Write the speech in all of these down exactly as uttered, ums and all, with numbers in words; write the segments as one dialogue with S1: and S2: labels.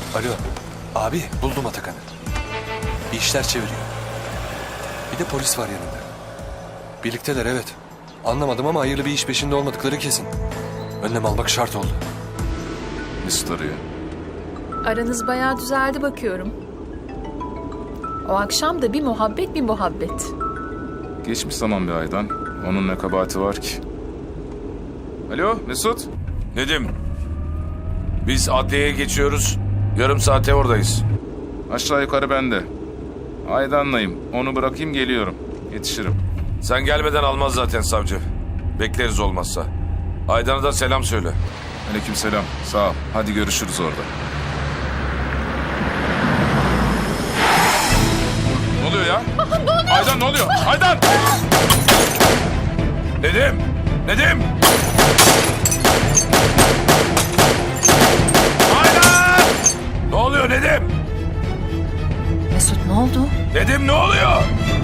S1: Alo. Abi buldum Atakan'ı. Bir işler çeviriyor. Bir de polis var yanında. Birlikteler evet. Anlamadım ama hayırlı bir iş peşinde olmadıkları kesin. Önlem almak şart oldu.
S2: Mesut arıyor.
S3: Aranız bayağı düzeldi bakıyorum. O akşam da bir muhabbet bir muhabbet.
S2: Geçmiş zaman bir aydan. Onun ne kabahati var ki? Alo Mesut.
S4: Nedim, biz adliyeye geçiyoruz. Yarım saate oradayız.
S2: Aşağı yukarı bende. Aydan'layım. Onu bırakayım geliyorum. Yetişirim.
S4: Sen gelmeden almaz zaten savcı. Bekleriz olmazsa. Aydan'a da selam söyle.
S2: Aleykümselam. Sağ ol. Hadi görüşürüz orada. Ne oluyor ya?
S3: Ne oluyor?
S2: Aydan ne oluyor? Aydan!
S4: Nedim! Nedim! Aydan! Ne oluyor Nedim?
S5: Mesut ne oldu?
S4: Nedim ne oluyor?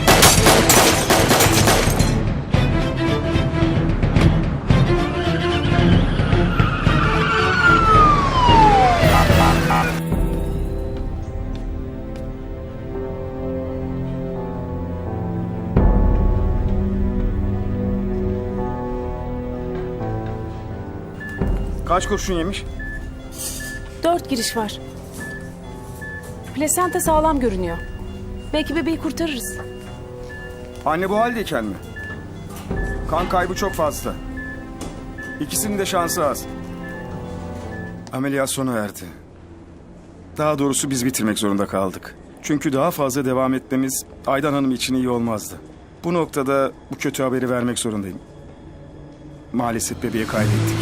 S6: Kaç kurşun yemiş?
S5: Dört giriş var. Plasenta sağlam görünüyor. Belki bebeği kurtarırız.
S6: Anne bu haldeyken mi? Kan kaybı çok fazla. İkisinin de şansı az. Ameliyat sona erdi. Daha doğrusu biz bitirmek zorunda kaldık. Çünkü daha fazla devam etmemiz Aydan Hanım için iyi olmazdı. Bu noktada bu kötü haberi vermek zorundayım. Maalesef bebeği kaybettik.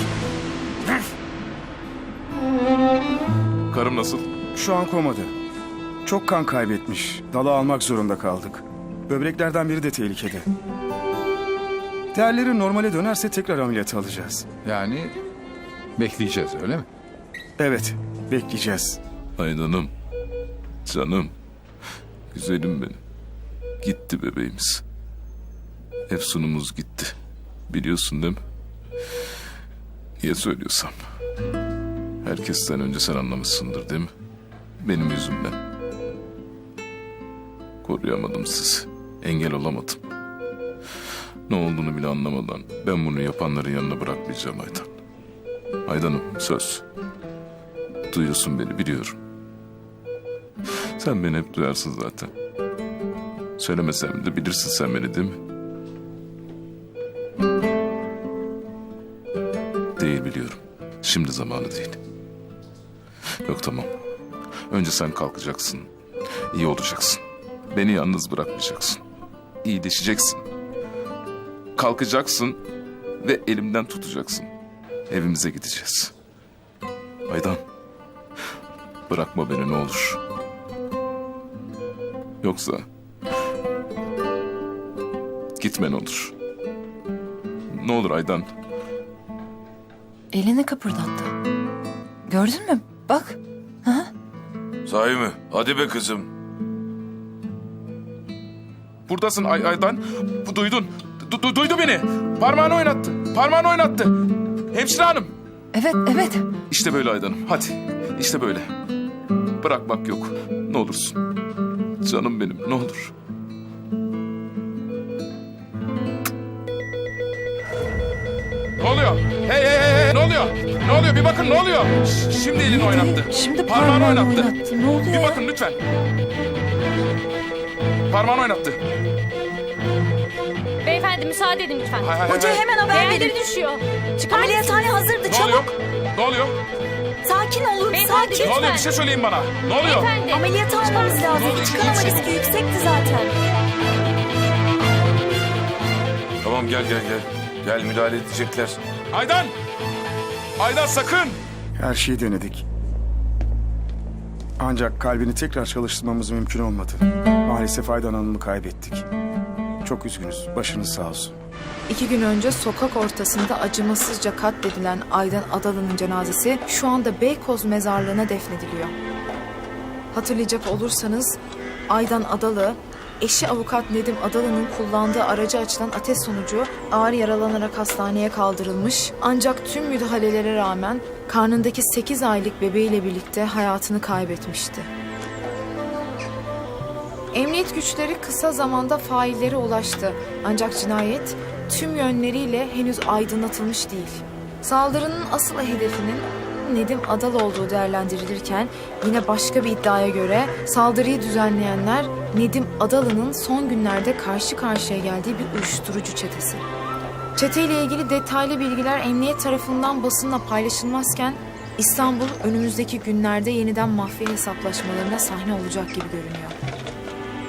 S2: Karım nasıl?
S6: Şu an komada. Çok kan kaybetmiş. Dalı almak zorunda kaldık. Böbreklerden biri de tehlikede. Değerleri normale dönerse tekrar ameliyat alacağız.
S7: Yani bekleyeceğiz öyle mi?
S6: Evet, bekleyeceğiz.
S2: Aydan'ım. Canım. Güzelim benim. Gitti bebeğimiz. Efsunumuz gitti. Biliyorsun değil mi? Niye söylüyorsam. Herkesten önce sen anlamışsındır değil mi? Benim yüzümden. Koruyamadım sizi. Engel olamadım. Ne olduğunu bile anlamadan ben bunu yapanların yanına bırakmayacağım Aydan. Aydan'ım söz. Duyuyorsun beni biliyorum. Sen beni hep duyarsın zaten. Söylemesem de bilirsin sen beni değil mi? Değil biliyorum. Şimdi zamanı değil. Yok tamam. Önce sen kalkacaksın. İyi olacaksın. Beni yalnız bırakmayacaksın. İyileşeceksin. Kalkacaksın ve elimden tutacaksın. Evimize gideceğiz. Aydan. Bırakma beni ne olur. Yoksa gitme ne olur. Ne olur Aydan.
S5: Elini kıpırdattı. Gördün mü? Bak. Ha?
S4: Sahi mi? Hadi be kızım.
S2: Buradasın Ay Aydan. Bu duydun. Du du duydu beni. Parmağını oynattı. Parmağını oynattı. Hemşire hanım.
S5: Evet, evet.
S2: İşte böyle Aydan'ım. Hadi. İşte böyle. Bırakmak yok. Ne olursun. Canım benim ne olur. Ne oluyor? Hey hey hey hey ne oluyor? Ne oluyor? Bir bakın ne oluyor? Ş- şimdi elini oynattı.
S5: Şimdi
S2: Parmağını
S5: parmağını
S2: oynattı.
S5: oynattı. Ne oluyor
S2: Bir
S5: ya?
S2: bakın lütfen. Parmağını oynattı.
S8: Beyefendi müsaade edin lütfen.
S2: Hay hay hay.
S5: Hocaya hemen haber
S8: Değerleri
S5: verin.
S8: düşüyor. Çıkar
S5: Ameliyathane
S8: mısınız?
S5: hazırdı.
S2: Ne oluyor?
S5: Çabuk.
S2: Ne oluyor?
S5: Sakin olun.
S8: Beyefendi,
S5: Sakin.
S2: Ne oluyor? Bir
S8: Lütfen.
S2: şey söyleyin bana. Ne oluyor?
S8: Beyefendi.
S5: Ameliyat almamız lazım.
S2: oldu?
S5: Çıkarama
S2: İyi, iyi.
S5: riski yüksekti zaten.
S4: Tamam gel gel gel. Gel müdahale edecekler.
S2: Aydan! Aydan sakın!
S6: Her şeyi denedik. Ancak kalbini tekrar çalıştırmamız mümkün olmadı. Maalesef Aydan Hanım'ı kaybettik. Çok üzgünüz. Başınız sağ olsun.
S3: İki gün önce sokak ortasında acımasızca katledilen Aydan Adalı'nın cenazesi şu anda Beykoz mezarlığına defnediliyor. Hatırlayacak olursanız Aydan Adalı
S9: Eşi avukat Nedim Adalı'nın kullandığı araca açılan ateş sonucu ağır yaralanarak hastaneye kaldırılmış. Ancak tüm müdahalelere rağmen karnındaki sekiz aylık bebeğiyle birlikte hayatını kaybetmişti. Emniyet güçleri kısa zamanda faillere ulaştı. Ancak cinayet tüm yönleriyle henüz aydınlatılmış değil. Saldırının asıl hedefinin Nedim Adalı olduğu değerlendirilirken yine başka bir iddiaya göre saldırıyı düzenleyenler Nedim Adalı'nın son günlerde karşı karşıya geldiği bir uyuşturucu çetesi. Çeteyle ilgili detaylı bilgiler emniyet tarafından basınla paylaşılmazken İstanbul önümüzdeki günlerde yeniden mafya hesaplaşmalarına sahne olacak gibi görünüyor.